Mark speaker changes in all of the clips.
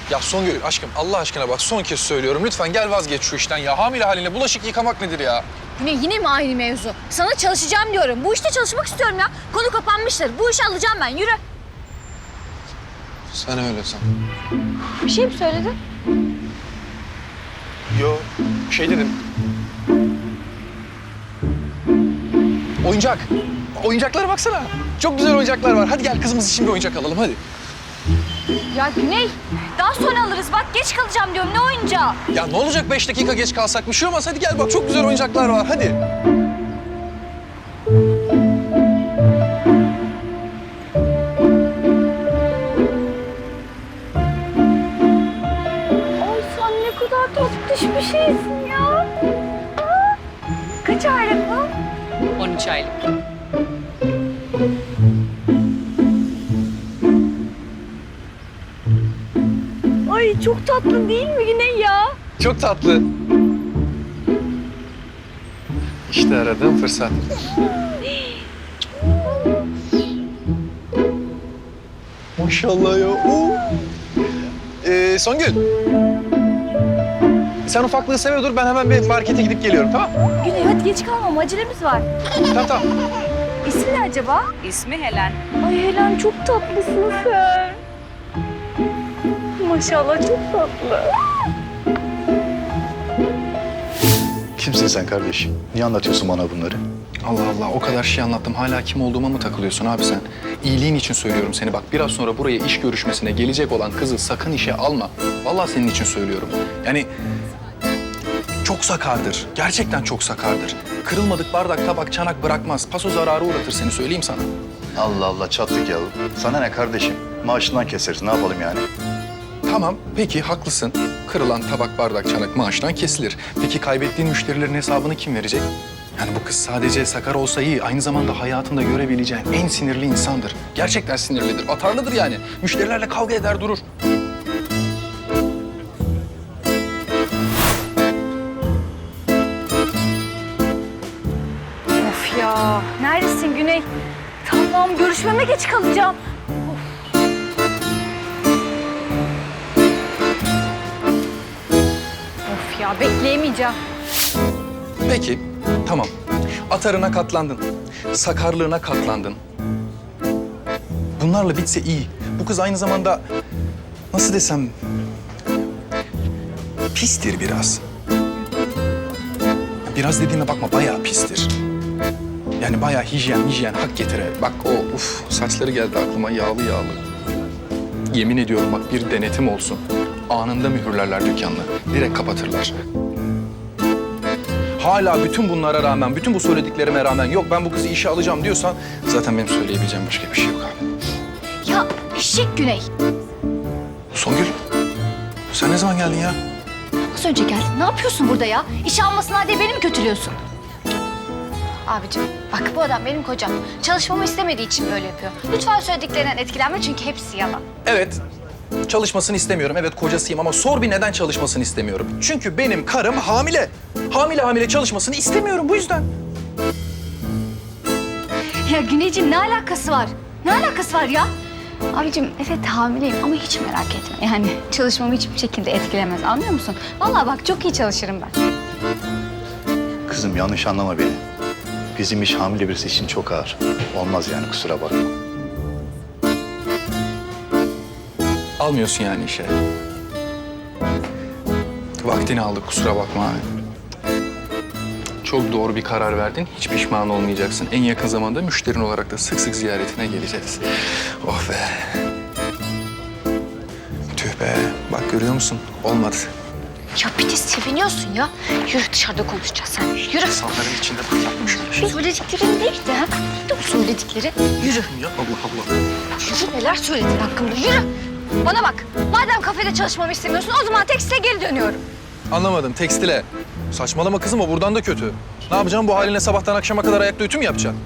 Speaker 1: Ya Songül aşkım Allah aşkına bak son kez söylüyorum. Lütfen gel vazgeç şu işten ya. Hamile haline bulaşık yıkamak nedir ya?
Speaker 2: Yine mi aynı mevzu? Sana çalışacağım diyorum. Bu işte çalışmak istiyorum ya. Konu kapanmıştır. Bu işi alacağım ben. Yürü.
Speaker 1: Sen öyle san.
Speaker 2: Bir şey mi söyledin?
Speaker 1: Yo şey dedim. Oyuncak. Oyuncaklara baksana. Çok güzel oyuncaklar var. Hadi gel kızımız için bir oyuncak alalım hadi.
Speaker 2: Ya Güney, daha sonra alırız. Bak geç kalacağım diyorum. Ne oyuncağı?
Speaker 1: Ya ne olacak 5 dakika geç kalsak bir şey olmaz. Hadi gel bak çok güzel oyuncaklar var hadi.
Speaker 2: Ay sen ne kadar tatlış bir şeysin ya. Aa, kaç aylık bu?
Speaker 3: 13 aylık.
Speaker 2: Ay çok tatlı değil mi Güney ya?
Speaker 1: Çok tatlı. İşte aradığım fırsat. Maşallah ya. Oo. Songül. Sen ufaklığı sever dur. Ben hemen bir markete gidip geliyorum tamam mı?
Speaker 2: Güney hadi geç kalmam. Acelemiz var.
Speaker 1: Tamam.
Speaker 2: İsmi ne acaba?
Speaker 3: İsmi Helen.
Speaker 2: Ay Helen çok tatlısın sen. Maşallah çok tatlı.
Speaker 4: Kimsin sen kardeşim? Niye anlatıyorsun bana bunları?
Speaker 1: Allah Allah o kadar şey anlattım. Hala kim olduğuma mı takılıyorsun abi sen? İyiliğin için söylüyorum seni. Bak biraz sonra buraya iş görüşmesine gelecek olan kızı sakın işe alma. Vallahi senin için söylüyorum. Yani çok sakardır. Gerçekten çok sakardır. Kırılmadık bardak, tabak, çanak bırakmaz. Paso zararı uğratır seni söyleyeyim sana.
Speaker 4: Allah Allah çattık ya. Sana ne kardeşim? Maaşından keseriz. Ne yapalım yani?
Speaker 1: Tamam, peki haklısın. Kırılan tabak, bardak, çanak maaştan kesilir. Peki kaybettiğin müşterilerin hesabını kim verecek? Yani bu kız sadece sakar olsa iyi, aynı zamanda hayatında görebileceğin en sinirli insandır. Gerçekten sinirlidir, atarlıdır yani. Müşterilerle kavga eder durur.
Speaker 2: Of ya. Neredesin Güney? Tamam görüşmeme geç kalacağım. Of ya bekleyemeyeceğim.
Speaker 1: Peki, tamam. Atarına katlandın, sakarlığına katlandın. Bunlarla bitse iyi. Bu kız aynı zamanda, nasıl desem, pistir biraz. Biraz dediğime bakma, bayağı pistir. Yani bayağı hijyen hak getire. Bak o, saçları geldi aklıma yağlı. Yemin ediyorum bak bir denetim olsun. Anında mühürlerler dükkanını. Direkt kapatırlar. Hala bütün bunlara rağmen, bütün bu söylediklerime rağmen yok ben bu kızı işe alacağım diyorsan zaten benim söyleyebileceğim başka bir şey yok abi.
Speaker 2: Ya eşek Güney.
Speaker 1: Songül, sen ne zaman geldin ya?
Speaker 2: Az önce geldin. Ne yapıyorsun burada ya? İşe almasınlar diye beni mi kötülüyorsun? Abicim bak bu adam benim kocam. Çalışmamı istemediği için böyle yapıyor. Lütfen söylediklerinden etkilenme çünkü hepsi yalan.
Speaker 1: Evet, çalışmasını istemiyorum. Evet kocasıyım ama sor bir neden çalışmasını istemiyorum. Çünkü benim karım hamile. Hamile çalışmasını istemiyorum bu yüzden.
Speaker 2: Ya Güneyciğim ne alakası var? Ne alakası var ya? Abicim evet hamileyim ama hiç merak etme. Yani çalışmamı hiçbir şekilde etkilemez anlıyor musun? Vallahi bak çok iyi çalışırım ben.
Speaker 4: Kızım yanlış anlama beni. Bizim iş hamile birisi için çok ağır. Olmaz yani kusura bakma.
Speaker 1: Almıyorsun yani işe. Vaktini aldık kusura bakma abi. Çok doğru bir karar verdin. Hiç pişman olmayacaksın. En yakın zamanda müşterin olarak da sık sık ziyaretine geleceğiz. Oh be. Tüh be. Bak görüyor musun? Olmadı.
Speaker 2: Ya bir de seviniyorsun ya. Yürü dışarıda konuşacağız sen. Yürü.
Speaker 1: İnsanların içinde bırakmış öyle şey.
Speaker 2: Söylediklerin neydi ha? Neydi o söyledikleri? Yürü.
Speaker 1: Ya Allah Allah.
Speaker 2: Yürü neler söyledin hakkımda yürü. Bana bak. Madem kafede çalışmamı istemiyorsun o zaman tekstile geri dönüyorum.
Speaker 1: Anlamadım. Tekstile. Saçmalama kızım o buradan da kötü. Ne yapacağım bu haline sabahtan akşama kadar ayakta ütü mü yapacaksın?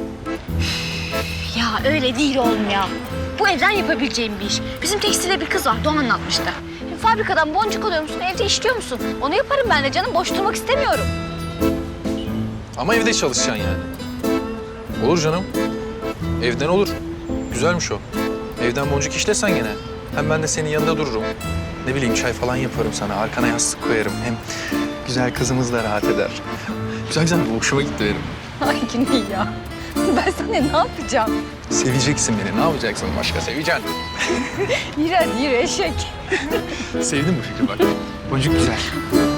Speaker 2: Ya öyle değil oğlum ya. Bu evden yapabileceğim bir iş. Bizim tekstilde bir kız var, o anlatmıştı. Fabrikadan boncuk alıyor musun, evde işliyor musun? Onu yaparım ben de canım, boş durmak istemiyorum.
Speaker 1: Ama evde çalışacaksın yani. Olur canım. Evden olur. Güzelmiş o. Evden boncuk işlesen gene. Hem ben de senin yanında dururum. Ne bileyim çay falan yaparım sana. Arkana yastık koyarım. Hem güzel kızımız da rahat eder. Güzel güzel bu hoşuma gitti benim.
Speaker 3: Ay Güney ya. Ben sana ne yapacağım?
Speaker 1: Seveceksin beni. Ne yapacaksın başka? Seveceksin.
Speaker 3: Yürü hadi yürü eşek.
Speaker 1: Sevdin mi fikri bak? Boncuk güzel.